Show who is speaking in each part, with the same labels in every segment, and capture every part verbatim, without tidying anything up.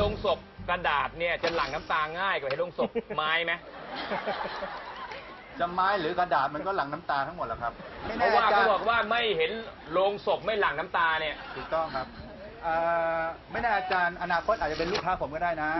Speaker 1: ลงศพกระดาษเนี่ยจะหลั่งน้ำตาง่ายกว่าไอ้ลงศพไม้ไหม
Speaker 2: จะไม้หรือกระดาษมันก็หลั่งน้ำตาทั้งหมดแหละครับ
Speaker 1: เพราะว่าเขาบอกว่าไม่เห็นโลงศพไม่หลั่งน้ำตาเนี่ย
Speaker 2: ถูกต้องครับไม่แน่อาจารย์อนาคตอาจจะเป็นลูกค้าผมก็ได้นะ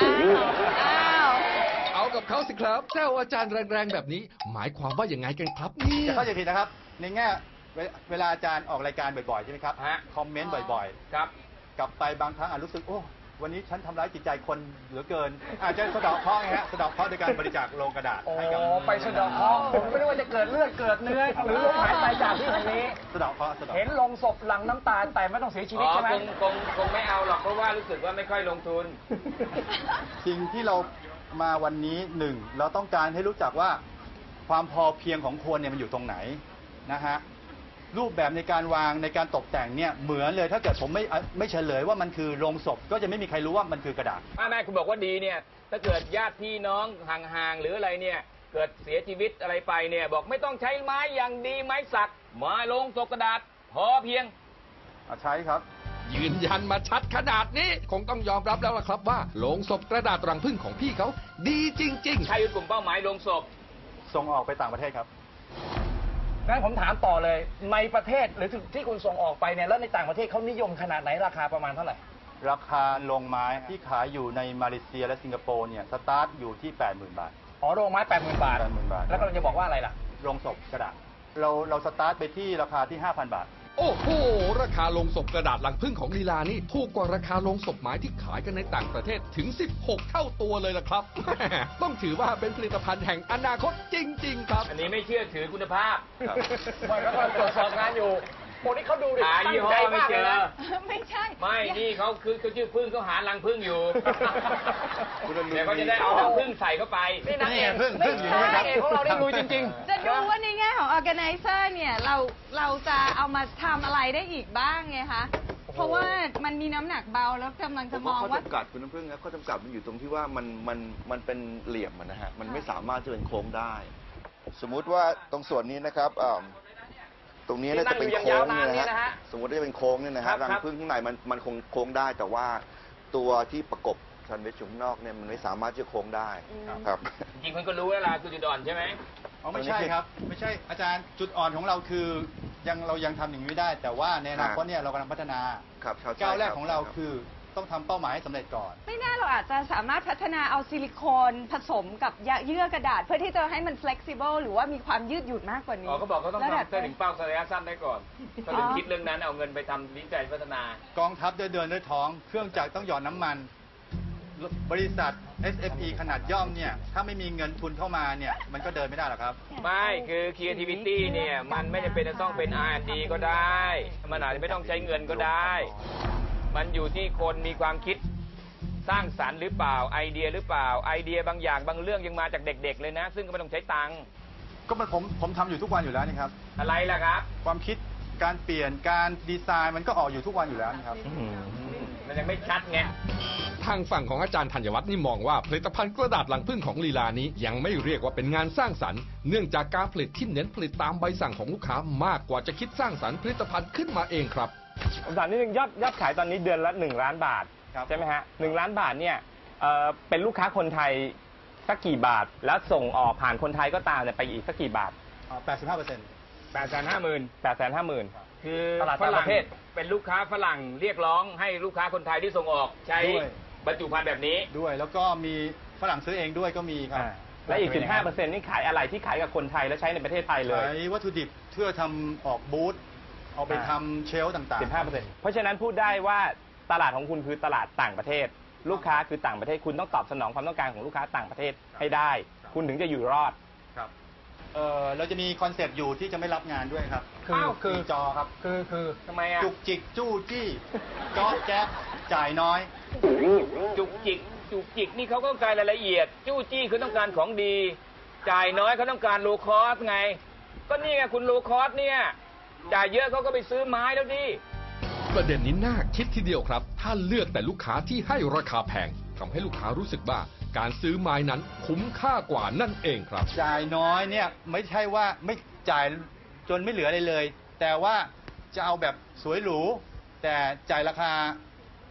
Speaker 3: เอากับเขาสิครับแซวอาจารย์แรงๆแบบนี้หมายความว่าอย่างไงกันครับนี่
Speaker 2: จะเข้าใจผิดนะครับในแง่เวลาอาจารย์ออกรายการบ่อยๆใช่ไหมครับคอมเมนต์บ่อยๆครับกลับไปบางครั้งอาจรู้สึกโอ้วันนี้ฉันทำร้ายจิตใจคนเหลือเกินอาจจะสะเดาะเคราะห์ไงฮะสะเดาะเคราะห์โดยการบริจาคโลงกระดาษให้กับ
Speaker 4: ไปสะเดาะเคราะห์ผมไม่รู้ว่าจะเกิดเลือดเกิดเนื้อหรือลมหายใจจากที่ตรงนี้
Speaker 2: สะเดาะเคราะห์
Speaker 4: เห็นลงศพหลังน้ำตาแต่ไม่ต้องเสียชีวิตใช่ไหม
Speaker 1: คงคงคงไม่เอาหรอกเพราะว่ารู้สึกว่าไม่ค่อยลงทุน
Speaker 2: สิ่งที่เรามาวันนี้หนึ่งเราต้องการให้รู้จักว่าความพอเพียงของคนเนี่ยมันอยู่ตรงไหนนะฮะรูปแบบในการวางในการตกแต่งเนี่ยเหมือนเลยถ้าเกิดผมไม่ไม่เฉลยว่ามันคือโลงศพก็จะไม่มีใครรู้ว่ามันคือกระดาษ
Speaker 1: แม่คุณบอกว่าดีเนี่ยถ้าเกิดญาติพี่น้องห่างๆหรืออะไรเนี่ยเกิดเสียชีวิตอะไรไปเนี่ยบอกไม่ต้องใช้ไม้อย่างดีไม้สักไม้โลงศพกระดาษพอเพียง
Speaker 2: ใช้ครับ
Speaker 3: ยืนยันมาชัดขนาดนี้คงต้องยอมรับแล้วล่ะครับว่าโลงศพกระดาษรังผึ้งของพี่เขาดีจริงๆ
Speaker 1: ใครคือกลุ่มเป้าหมายโลงศพ
Speaker 2: ส่งออกไปต่างประเทศครับ
Speaker 4: งั้นผมถามต่อเลยในประเทศหรือที่คุณส่งออกไปเนี่ยแล้วในต่างประเทศเขานิยมขนาดไหนราคาประมาณเท่าไหร่
Speaker 2: ราคาโรงไม้ที่ขายอยู่ในมาเลเซียและสิงคโปร์เนี่ยสตาร์ทอยู่ที่ แปดหมื่น บาท
Speaker 4: อ๋อโรงไม้ แปดหมื่น บาท
Speaker 2: แปดหมื่น บาท
Speaker 4: แล้วเราจะบอกว่าอะไรล่ะ
Speaker 2: โรงศพกระดาษเราเราสตาร์ทไปที่ราคาที่ ห้าพัน บาท
Speaker 3: โอ้โหราคาโลงศพกระดาษรังผึ้งของลีลานี่ถูกกว่าราคาโลงศพไม้ที่ขายกันในต่างประเทศถึงสิบหกเท่าตัวเลยล่ะครับต้องถือว่าเป็นผลิตภัณฑ์แห่งอนาคตจริงๆครับ
Speaker 1: อันนี้ไม่เชื่อถือคุณภาพ
Speaker 4: ไม่ก็ตรวจสอบงานอยู่โอ้นี่เขาดูดิ
Speaker 1: หายี่ห้อไม่เจอ
Speaker 5: ไม่ใช่
Speaker 1: ไม่นี่เขาคือเขาชื่อพึ่งเขาหารังพึ่งอยู่เดี๋ยวเขาจะได้เอารังพึ่งใส่เข้าไป
Speaker 4: นี่นางเอกพึ่งพึ่งอยู่นะครับของเราได้รู้จริง
Speaker 5: ๆจะดูว่าในแง่ของ organizer เนี่ยเราเราจะเอามาทำอะไรได้อีกบ้างไงคะเพราะว่ามันมีน้ำหนักเบาแล้วกำลังจะมองว่า
Speaker 6: ข้อจำกัดคุณน้ำพึ่งนะข้อจำกัดมันอยู่ตรงที่ว่ามันมันมันเป็นเหลี่ยมนะฮะมันไม่สามารถจะเป็นโค้งได้สมมุติว่าตรงส่วนนี้นะครับตรงนี้น่าจะเป็นโค้งเนี่ยนะฮะสมมติว่าจะเป็นโค้งเนี่ยนะฮะรังผึ้งข้างในมันมันคงโค้งได้แต่ว่าตัวที่ประกบชันเวชอยู่ข้างนอกเนี่ยมันไม่สามารถจะโค้งได้ครับ
Speaker 1: จริงๆคุณก็รู้แล้วล่ะคือจุดอ่อนใช่ไหม
Speaker 2: อ๋อไม่ใช่ครับไม่ใช่อาจารย์จุดอ่อนของเราคือยังเรายังทำอย่างนี้ไม่ได้แต่ว่าในอนาคตเนี่ยเรากำลังพัฒนาก้าวแรกของเราคือต้องทำเป้าหมายให้สำเร็จก่อน
Speaker 5: ไม่แน่เราอาจจะสามารถพัฒนาเอาซิลิโคนผสมกับเยื่อกระดาษเพื่อที่จะให้มัน flexible หรือว่ามีความยืดหยุ่นมากกว่านี้
Speaker 1: อ๋อเขาบอกเขาต้องทำเส้นถึงเป้าระยะสั้นได้ก่อนเขาถึงคิดเรื่องนั้นเอาเงินไปทำวิจัยพัฒนาก
Speaker 2: องทัพเดินเดินด้วยท้องเครื่องจักรต้องหยอดน้ำมันบริษัท เอส เอฟ อี ขนาดย่อมเนี่ยถ้าไม่มีเงินทุนเข้ามาเนี่ยมันก็เดินไม่ได้หรอกครับ
Speaker 1: ไม่คือ creativity เนี่ยมันไม่จำเป็นจะต้องเป็น อาร์ แอนด์ ดี ก็ได้มันอาจจะไม่ต้องใช้เงินก็ได้มันอยู่ที่คนมีความคิดสร้างสรรค์หรือเปล่าไอเดียหรือเปล่าไอเดียบางอย่างบางเรื่องยังมาจากเด็กๆเลยนะซึ่งก็ไม่ต้องใช้ตังค์
Speaker 2: ก็มันผมผมทำอยู่ทุกวันอยู่แล้วนี่ครับ
Speaker 1: อะไรล่ะครับ
Speaker 2: ความคิดการเปลี่ยนการดีไซน์มันก็ออกอยู่ทุกวันอยู่แล้วนี่ครับ
Speaker 1: มันยังไม่ชัดไง
Speaker 3: ทางฝั่งของอาจารย์ธัญวัฒน์นี่มองว่าผลิตภัณฑ์กระดาษรังผึ้งของลีลานี้ยังไม่เรียกว่าเป็นงานสร้างสรรค์เนื่องจากการผลิตที่เน้นผลิตตามใบสั่งของลูกค้ามากกว่าจะคิดสร้างสรรค์ผลิตภัณฑ์ขึ้นมาเองครับ
Speaker 4: ผมถามนิดนึงยอดยอดขายตอนนี้เดือนละหนึ่งล้านบาทใช่ไหมฮะหนึ่งล้านบาทเนี่ยเป็นลูกค้าคนไทยสักกี่บาทแล้วส่งออกผ่านคนไทยก็ตามเนี่ยไปอีกสักกี่บาท
Speaker 2: แปดสิบห้าเปอร์เซ็นต์
Speaker 1: แปดแสนห้าหมื่น
Speaker 4: แปดแสนห้าหมื่น
Speaker 1: คือฝรั่งเป็นลูกค้าฝรั่งเรียกร้องให้ลูกค้าคนไทยที่ส่งออกใช้บรรจุภัณฑ์แบบนี้
Speaker 2: ด้วยแล้วก็มีฝรั่งซื้อเองด้วยก็มีครับ
Speaker 4: และอีกสิบห้าเปอร์เซ็นต์นี่ขายอะไรที่ขายกับคนไทยและใช้ในประเทศไทยเลย
Speaker 2: ขายวัตถุดิบเพื่อทำออกบูธเอาไปทำเชลฟ์ต่างๆ
Speaker 4: สิบห้าเปอร์เซ็นต์ เพราะฉะนั้นพูดได้ว่าตลาดของคุณคือตลาดต่างประเทศลูกค้าคือต่างประเทศคุณต้องตอบสนองความต้องการของลูกค้าต่างประเทศให้ได้คุณถึงจะอยู่รอด
Speaker 2: ครับเออเราจะมีคอนเซปต์อยู่ที่จะไม่รับงานด้วยครับ
Speaker 4: คือคือ
Speaker 2: จอครับ
Speaker 4: คือคือ
Speaker 1: ทำไมอ่ะ
Speaker 2: จุกจิกจู้จี้จ๊อบแจ๊บจ่ายน้อย
Speaker 1: จุกจิกจุกจิกนี่เขาก็ต้องการรายละเอียดจู้จี้คือต้องการของดีจ่ายน้อยเขาต้องการโลคอสไงก็นี่ไงคุณโลคอสเนี่ยจ่ายเยอะเขาก็ไปซื้อไม้แล้วดิ
Speaker 3: ประเด็นนี้น่าคิดทีเดียวครับถ้าเลือกแต่ลูกค้าที่ให้ราคาแพงทำให้ลูกค้ารู้สึกว่าการซื้อไม้นั้นคุ้มค่ากว่านั่นเองครับ
Speaker 2: จ่ายน้อยเนี่ยไม่ใช่ว่าไม่จ่ายจนไม่เหลืออะไรเลยแต่ว่าจะเอาแบบสวยหรูแต่จ่ายราคา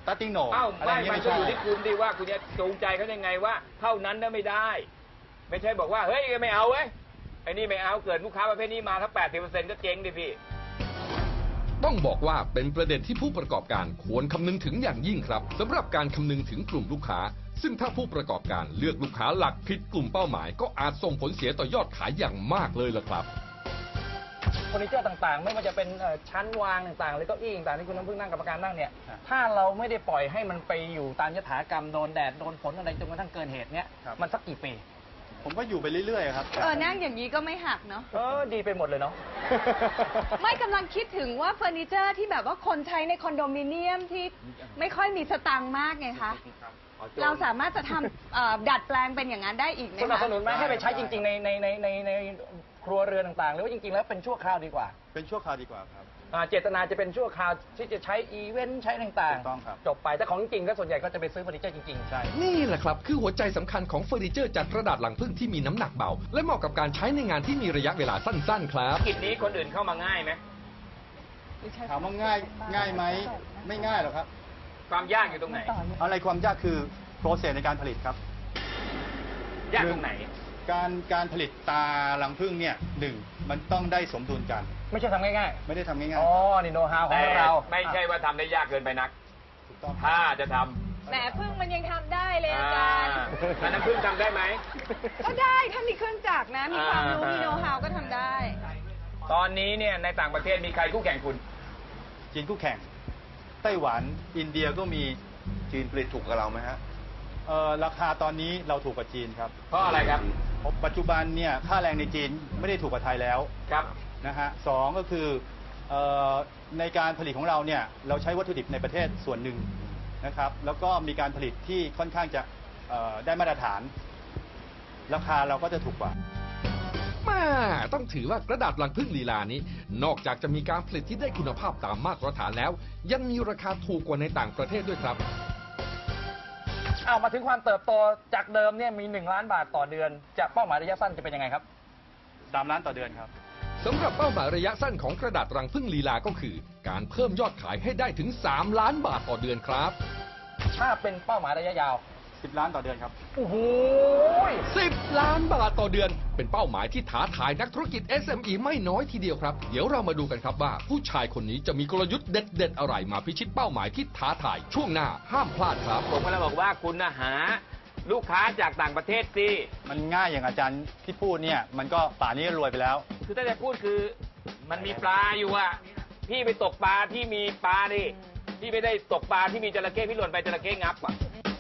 Speaker 2: starting no
Speaker 1: เอ้า
Speaker 2: อะไร
Speaker 1: ไม่
Speaker 2: เงี้ย
Speaker 1: มัน
Speaker 2: ไม่
Speaker 1: ก็
Speaker 2: ใช่
Speaker 1: อยู่ที่คุณดีว่าคุณจะจูงใจเขายังไงว่า เท่านั้นนะไม่ได้ ไม่ใช่บอกว่าเฮ้ยไม่เอาเว้ยไอ้นี่ไม่เอาเกิดลูกค้าประเภทนี้มาถ้าแปดสิบเปอร์เซ็นต์ก็เจ๊งดิพี่
Speaker 3: ต้องบอกว่าเป็นประเด็นที่ผู้ประกอบการควรคำนึงถึงอย่างยิ่งครับสำหรับการคำนึงถึงกลุ่มลูกค้า ซึ่งถ้าผู้ประกอบการเลือกลูกค้าหลักผิดกลุ่มเป้าหมาย ก็อาจส่งผลเสียต่อยอดขายอย่างมากเลยล่ะครับ
Speaker 7: เฟอร์นิเจอร์ต่างๆ ไม่ว่าจะเป็นเอ่อชั้นวางต่างๆหรือเก้าอี้ต่างๆที่คุณน้ำพึ่งนั่งกรรมการนั่งเนี่ยถ้าเราไม่ได้ปล่อยให้มันไปอยู่ตามยถากรรมโดนแดดโดนฝนอะไรจนกระทั่งเกินเหตุเนี่ยมันสักกี่ปี
Speaker 2: ผมก็อยู่ไปเรื่อยๆครับ
Speaker 5: เออนั่งอย่างนี้ก็ไม่หักเนาะ
Speaker 7: เออดีไปหมดเลยเนาะ
Speaker 5: ไม่กำลังคิดถึงว่าเฟอร์นิเจอร์ที่แบบว่าคนใช้ในคอนโดมิเนียมที่ไม่ค่อยมีสตังค์มากไงคะ เราสามารถจะทำเอ่อดัดแปลงเป็นอย่างนั้นได้อีกไหม
Speaker 7: สนับ
Speaker 5: คะ
Speaker 7: สนุนไหมให้ไปใช้จริงๆในในในในในครัวเรือนต่างๆ หรือว่าจริงๆแล้วเป็นชั่วคราวดีกว่า
Speaker 2: เป็นชั่วคราวดีกว่าครับ
Speaker 7: อ่าเจตนาจะเป็นชั่วคราวที่จะใช้อีเวนต์ใช้ต่าง
Speaker 2: ถูกต้องครับ
Speaker 7: ๆจบไปแต่ของจริงก็ส่วนใหญ่ก็จะไปซื้อเฟอร์นิเจอร์จริงๆ
Speaker 2: ใช่
Speaker 3: นี่แหละครับคือหัวใจสำคัญของเฟอร์นิเจอร์จากกระดาษลังผึ้งที่มีน้ำหนักเบา และเหมาะกับการใช้ในงานที่มีระยะเวลาสั้นๆครับ
Speaker 1: กิจนี้คนอื่นเข้ามาง่ายไหม
Speaker 2: ถามว่าง่ายง่ายไหมไม่ง่ายหรอกครับ
Speaker 1: ความยากอยู่ตรงไหน
Speaker 2: อะไรความยากคือโปรเซสในการผลิตครับ
Speaker 1: ยากตรงไหน
Speaker 2: การการผลิตตารังผึ้งเนี่ยหนึ่งมันต้องได้สมดุลกัน
Speaker 7: ไม่ใช่ทำง่าย
Speaker 2: ไม่ได้ทำง่าย
Speaker 7: ๆ อ๋อ นี่โน้ตฮาวขอ
Speaker 1: แต่
Speaker 7: งเรา
Speaker 1: ไม่ใช่ว่าทำได้ยากเกินไปนัก
Speaker 2: ๆถูกต้อง
Speaker 1: ถ้าจะทำ
Speaker 5: แหมพึ่งมันยังทำได้เลยอาจาร
Speaker 1: อ่า
Speaker 5: ย์
Speaker 1: อันนั้นพึ่งทำได้ไหม
Speaker 5: ก็ได้ถ้ามีเครื่องจักรนะ มีความรู้
Speaker 1: อ่ามี
Speaker 5: มีโน้ตฮาวก็ทำได้
Speaker 1: ตอนนี้เนี่ยในต่างประเทศมีใครคู่แข่งคุณ
Speaker 2: จีนคู่แข่ง ไต้หวัน อินเดียก็มี
Speaker 6: จีนผลิตถูกกับเราไหมฮะ
Speaker 2: เอ่อราคาตอนนี้เราถูกกว่าจีนครับ
Speaker 1: เพราะอะไรครับ
Speaker 2: ปัจจุบันเนี่ยค่าแรงในจีนไม่ได้ถูกกว่าไทยแล้ว
Speaker 1: ครับ
Speaker 2: นะฮะสองก็คือเอ่อในการผลิตของเราเนี่ยเราใช้วัตถุดิบในประเทศส่วนหนึ่งนะครับแล้วก็มีการผลิตที่ค่อนข้างจะเอ่อได้มาตรฐาน ราคาเราก็จะถูกกว่า
Speaker 3: แม่ต้องถือว่ากระดาษลังผึ้งลีลานี้ นอกจากจะมีการผลิตที่ได้คุณภาพตามมาตรฐานแล้ว ยังมีราคาถูกกว่าในต่างประเทศด้วยครับ
Speaker 7: เอามาถึงความเติบโตจากเดิมเนี่ยมีหนึ่งล้านบาทต่อเดือน จะเป้าหมายระยะสั้นจะเป็นยังไงครับ
Speaker 2: สามล้านต่อเดือนครับ
Speaker 3: สำหรับเป้าหมายระยะสั้นของกระดาษรังผึ้งลีลาก็คือ การเพิ่มยอดขายให้ได้ถึง สาม ล้านบาทต่อเดือนครับ
Speaker 7: ถ้าเป็นเป้าหมายระยะยาว
Speaker 2: สิบ ล้านต่อเดือนครับ
Speaker 7: โอ้โห
Speaker 3: สิบ ล้านบาทต่อเดือน เป็นเป้าหมายที่ท้าทายนักธุรกิจ เอส เอ็ม อี ไม่น้อยทีเดียวครับ เดี๋ยวเรามาดูกันครับว่า ผู้ชายคนนี้จะมีกลยุทธ์เด็ดๆอะไรมาพิชิตเป้าหมายที่ท้าทายช่วงหน้าห้ามพลาดครับ
Speaker 1: ผมก็เลยบอกว่าคุณนะหาลูกค้าจากต่างประเทศสิ
Speaker 2: มันง่ายอย่างอาจารย์ที่พูดเนี่ยมันก็ป่านนี้ก็รวยไปแล้ว
Speaker 1: คือถ้าจะพูดคือมันมีปลาอยู่อะพี่ไปตกปลาที่มีปลาดิพี่ไม่ได้ตกปลาที่มีจระเข้พี่หล่นไปจระเข้งับอะ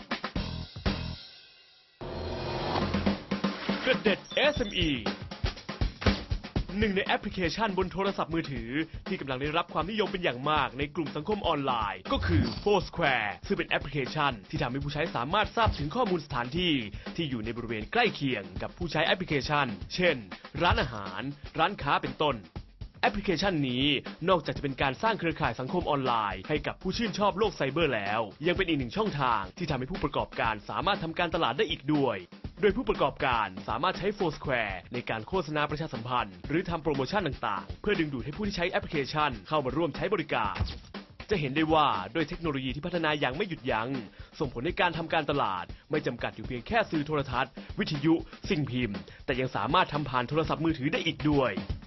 Speaker 8: กระเด็ด เอส เอ็ม อี หนึ่งในแอปพลิเคชันบนโทรศัพท์มือถือที่กำลังได้รับความนิยมเป็นอย่างมากในกลุ่มสังคมออนไลน์ ก็คือ Foursquare ซึ่งเป็นแอปพลิเคชันที่ทำให้ผู้ใช้สามารถทราบถึงข้อมูลสถานที่ที่อยู่ในบริเวณใกล้เคียงกับผู้ใช้แอปพลิเคชัน เช่น ร้านอาหาร ร้านค้าเป็นต้น แอปพลิเคชันนี้นอกจากจะเป็นการสร้างเครือข่ายสังคมออนไลน์ให้กับผู้ชื่นชอบโลกไซเบอร์แล้ว ยังเป็นอีกหนึ่งช่องทางที่ทำให้ผู้ประกอบการสามารถทำการตลาดได้อีกด้วยโดยผู้ประกอบการสามารถใช้ Foursquare ในการโฆษณาประชาสัมพันธ์หรือทำโปรโมชั่นต่างๆเพื่อดึงดูดให้ผู้ที่ใช้แอปพลิเคชันเข้ามาร่วมใช้บริการจะเห็นได้ว่าด้วยเทคโนโลยีที่พัฒนาอย่างไม่หยุดยัง้งส่งผลในการทำการตลาดไม่จำกัดอยู่เพียงแค่สื่อโทรทัศน์วิทยุสิ่งพิมพ์แต่ยังสามารถทำผ่านโทรศัพท์มือถือได้อีกด้วย